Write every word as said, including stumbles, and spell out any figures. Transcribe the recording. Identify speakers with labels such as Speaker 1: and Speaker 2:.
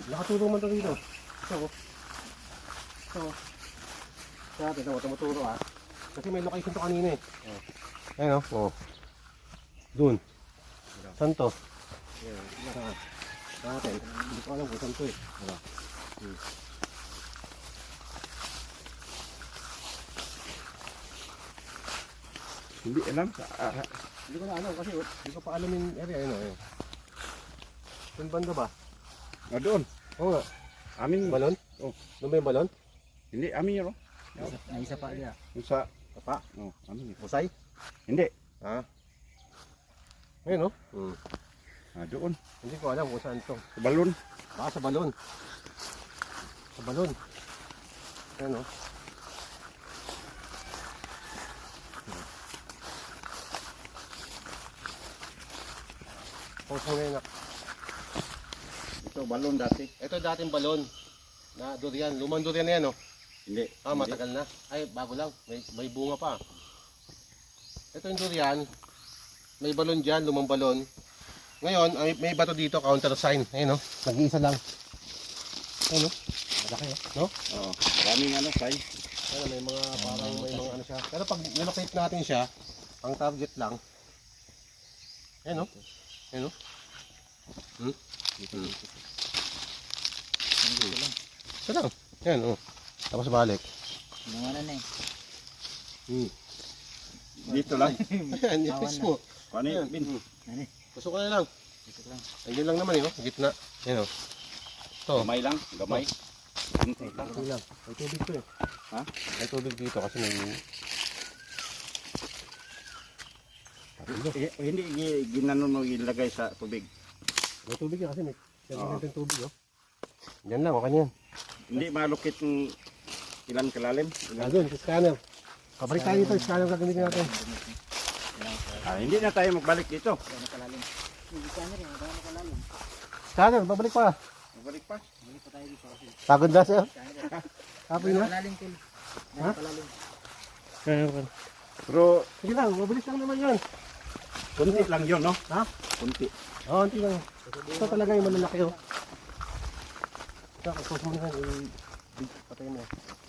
Speaker 1: Nakatulong man ito dito. Ito oh. Ito oh. Kaya natin, ito, tumuturo ah. Kasi may location to kanina eh. Oh. Ayun oh. Oh. Doon. Saan to? Ayan. Saan? Saan natin? Hindi ko alam kung saan to eh. Ano? Hmm.
Speaker 2: Hindi alam. Ah,
Speaker 1: Hindi ko na alam kasi hindi ko pa alam yung area. Ayun oh. Saan banda ba?
Speaker 2: ah, doon.
Speaker 1: Oo nga.
Speaker 2: Amin.
Speaker 1: Balon?
Speaker 2: Oh.
Speaker 1: Doon ba yung balon?
Speaker 2: Hindi, amin yun.
Speaker 3: May isa pa dia.
Speaker 2: Yung sa...
Speaker 1: Kapa?
Speaker 2: Oh, amin yun.
Speaker 1: Usay?
Speaker 2: Hindi.
Speaker 1: Ha? Ayun oh. Hmm.
Speaker 2: Ah, doon.
Speaker 1: Hindi ko alam kung saan to.
Speaker 2: Sa balon.
Speaker 1: Baka sa balon. Sa balon. Ayun oh. Kung saan ngayon na.
Speaker 2: Ito, balon dati.
Speaker 1: Ito dating balon. Na durian. Lumang durian na yan oh.
Speaker 2: Hindi.
Speaker 1: Ah, matagal na. Ay, bago lang. May, may bunga pa. Ito yung durian. May balon dyan, lumang balon. Ngayon, ay, may bato dito, counter sign. Ayun, no? Nag-iisa lang. Ayun, no? Malaki, no?
Speaker 2: Oo. Maraming ano, say.
Speaker 1: Ayun, may mga parang may mga ano siya. Pero pag nilocate natin siya, ang target lang. Ayun, no? Ayun, no? Hmm? Hmm. Ito lang. Ayun, oh. Tapos balik.
Speaker 3: Nangalan na eh.
Speaker 1: Hmm.
Speaker 2: Dito lang.
Speaker 1: Ayan, yung mismo.
Speaker 2: Paano yun, Bin?
Speaker 3: Ano?
Speaker 1: Pasok ka na lang.
Speaker 3: Ito lang.
Speaker 1: Ayun lang naman, yun. Gitna. Ayun, oh. Ito.
Speaker 2: Gamay lang. Gamay. Kunti lang.
Speaker 1: Ito lang. May tubig to eh.
Speaker 2: Ha?
Speaker 1: May tubig dito kasi may...
Speaker 2: Eh, hindi gi- ginanon mo ilagay sa tubig.
Speaker 1: May tubig yan kasi may... Yan
Speaker 2: Oo.
Speaker 1: natin tubig, oh. Yan lang, okay yan.
Speaker 2: Hindi malukit ng ilan kalalim.
Speaker 1: Ah, doon, sa scanner. Kabalik tayo dito, scanner gagamitin natin.
Speaker 2: Ah, hindi na tayo magbalik dito.
Speaker 3: Ano kalalim? Hindi ka na rin. Ano kalalim?
Speaker 1: Scanner, babalik pa.
Speaker 2: Magbalik pa.
Speaker 3: Balik pa tayo dito kasi.
Speaker 1: Pagod na sa'yo. Happy
Speaker 3: Ano
Speaker 1: na?
Speaker 3: kalalim tol?
Speaker 1: Ha?
Speaker 3: Ano kalalim?
Speaker 2: Pero
Speaker 1: Sige lang, mabilis lang naman yan.
Speaker 2: kunti lang yun, no?
Speaker 1: Ha?
Speaker 2: Kunti.
Speaker 1: Oo, oh, hindi lang. Ito talaga yung malalaki, oh. Ito, kapos mo na yan. i- Patay mo.